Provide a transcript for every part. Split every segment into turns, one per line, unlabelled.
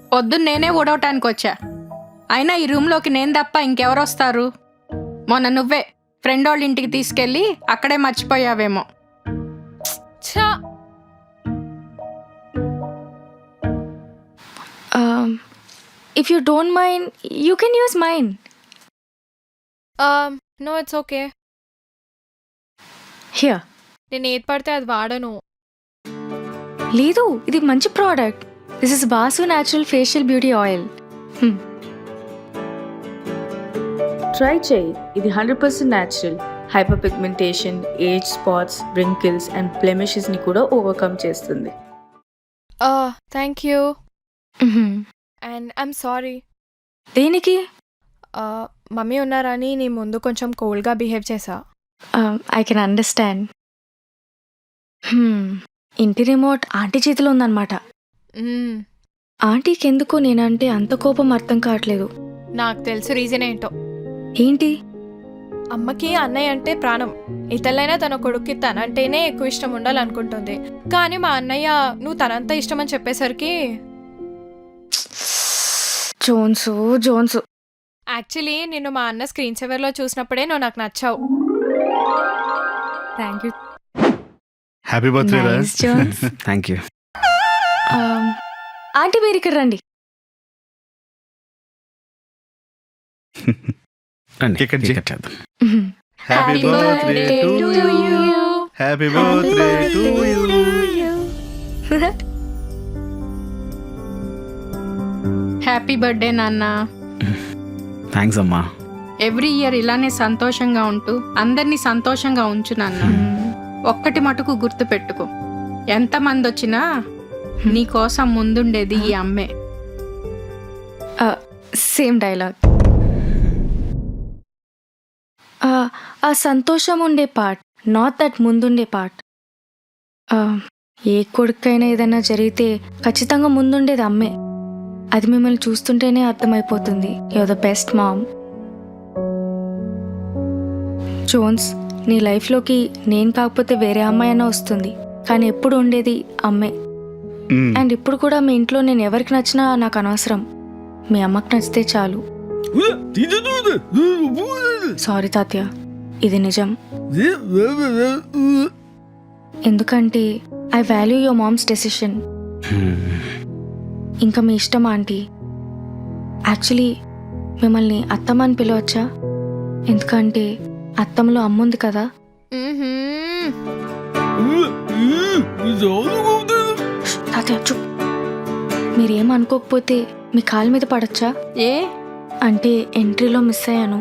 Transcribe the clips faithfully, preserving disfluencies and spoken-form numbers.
పొద్దున్న నేనే ఊడవటానికి వచ్చా. అయినా ఈ రూమ్లోకి నేను తప్ప ఇంకెవరు వస్తారు? మొన్న నువ్వే ఫ్రెండ్ వాళ్ళ ఇంటికి తీసుకెళ్ళి అక్కడే మర్చిపోయావేమో.
ఛా!
Um, if you don't mind, you can use mine.
Um, no, it's okay.
Here.
నేను ఏది పడితే అది వాడను.
లేదు, ఇది మంచి product. This is Basu natural facial beauty oil.
Try చేయి, ఇది hundred percent natural. Hyper pigmentation, age spots, wrinkles and బ్లెమిషెస్ని కూడా ఓవర్కమ్ చేస్తుంది.
Uh, thank you. And I'm sorry.
దేనికి?
Uh, మమ్మీ ఉన్నారని నీ ముందు కొంచెం కోల్డ్గా బిహేవ్ చేసా.
I can understand. ఇంటి రిమోట్ ఆంటీ చేతిలో ఉందన్నమాట.
మ్మ్.
ఆంటీకి ఎందుకో నేనంటే అంత కోపం అర్థం కావట్లేదు.
నాకు తెలుసు రీజన్ ఏంటో.
ఏంటి?
అమ్మకి అన్నయ్య అంటే ప్రాణం. ఇతరులైనా తన కొడుక్కి తనంటేనే ఎక్కువ ఇష్టం ఉండాలనుకుంటుంది. కానీ మా అన్నయ్య నువ్వు తనంత ఇష్టం అని చెప్పేసరికి
జోన్సు జోన్సు
యాక్చువల్లీ నిన్ను మా అన్న స్క్రీన్ సేవర్లో చూసినప్పుడే నువ్వు నాకు నచ్చావు.
Thank you.
హ్యాపీ బర్త్డే రా.
Nice Jones.
Thank you.
Aunty మీరు ఇక్కడ రండి.
కేక్ కట్ చేయి.
చేద్దాం.
Happy birthday to you. Happy birthday to you.
Happy birthday నాన్న.
థ్యాంక్స్ అమ్మా.
ఎవ్రీ ఇయర్ ఇలానే సంతోషంగా ఉంటూ అందరినీ సంతోషంగా ఉంచు నాన్న. ఒక్కటి మటుకు గుర్తు పెట్టుకో, ఎంతమంది వచ్చినా నీ కోసం ముందుండేది ఈ అమ్మే.
Same dialogue. ఆ సంతోషం ఉండే పార్ట్, నాట్ దట్ ముందుండే పార్ట్. ఏ కొడుకైనా ఏదైనా జరిగితే ఖచ్చితంగా ముందుండేది అమ్మే. అది మిమ్మల్ని చూస్తుంటేనే అర్థమైపోతుంది. Your the best mom. Jones, నీ లైఫ్లోకి నేను కాకపోతే వేరే అమ్మాయి అయినా వస్తుంది, కానీ ఎప్పుడు ఉండేది అమ్మే. అండ్ ఇప్పుడు కూడా మీ ఇంట్లో నేను ఎవరికి నచ్చినా నాకు అనవసరం. మీ అమ్మకి నచ్చితే చాలు. సారీ తాత్య, ఇది నిజం. ఎందుకంటే I value your mom's decision. ఇంకా మీ ఇష్టం ఆంటీ. యాక్చువల్లీ మిమ్మల్ని అత్తమ్మ అని పిలవచ్చా? ఎందుకంటే అత్తమ్మలో అమ్ముంది కదా.
మ్మ్హ్మ్.
తాతయ్య చూప్. మీరేం అనుకోకపోతే మీ కాళ్ళ మీద పడచ్చా?
ఏ
అంటే ఎంట్రీలో మిస్ అయ్యాను.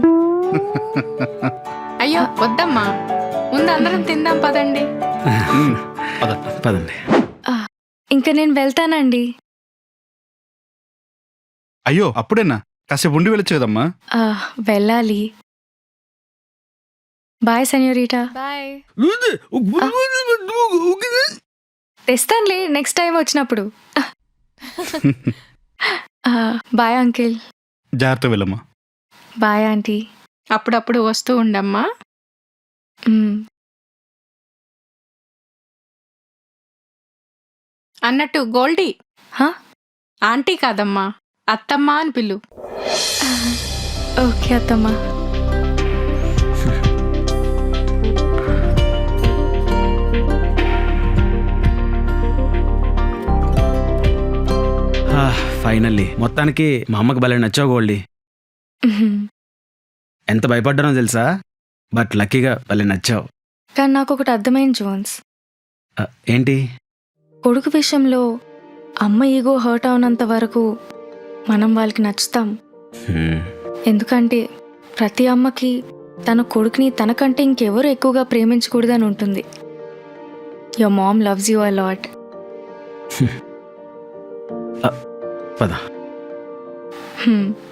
అయ్యో వద్దమ్మా, ముందు అందరం తిందాం పదండి.
పదండి.
ఇంకా నేను వెళ్తానండి.
అయ్యో అప్పుడేనా? కాసేపు ఉండి వెళ్ళొచ్చు కదమ్మా.
ఆ, వెళ్ళాలి. Bye senorita.
బాయ్.
తెస్తానులే నెక్స్ట్ టైం వచ్చినప్పుడు. ఆ, బాయ్ అంకిల్.
జాగ్రత్త వెళ్ళమ్మా.
Bye aunty.
అప్పుడప్పుడు వస్తూ ఉండమ్మా.
మ్,
అన్నట్టు గోల్డీ,
హా?
ఆంటీ కాదమ్మా అత్తమ్మ అని పిలు.
ఓకే అత్తమ్మా.
ఫైనల్లీ మొత్తానికి మా అమ్మకి భలే నచ్చావు గోల్డీ.
మ్హూ.
ఎంత భయపడ్డానో తెలుసా, బట్ లక్కీగా భలే నచ్చావు.
కానీ నాకు ఒకటి అర్థమైంది జోన్స్.
ఆ, ఏంటి?
కొడుకు విషయంలో అమ్మ ఈగో హర్ట్ అవునంత వరకు మనం వాళ్ళకి నచ్చుతాం.
హ్మ్.
ఎందుకంటే ప్రతి అమ్మకి తన కొడుకుని తనకంటే ఇంకెవరు ఎక్కువగా ప్రేమించకూడదని ఉంటుంది. Your mom loves you a lot.
పద.
హ్మ్.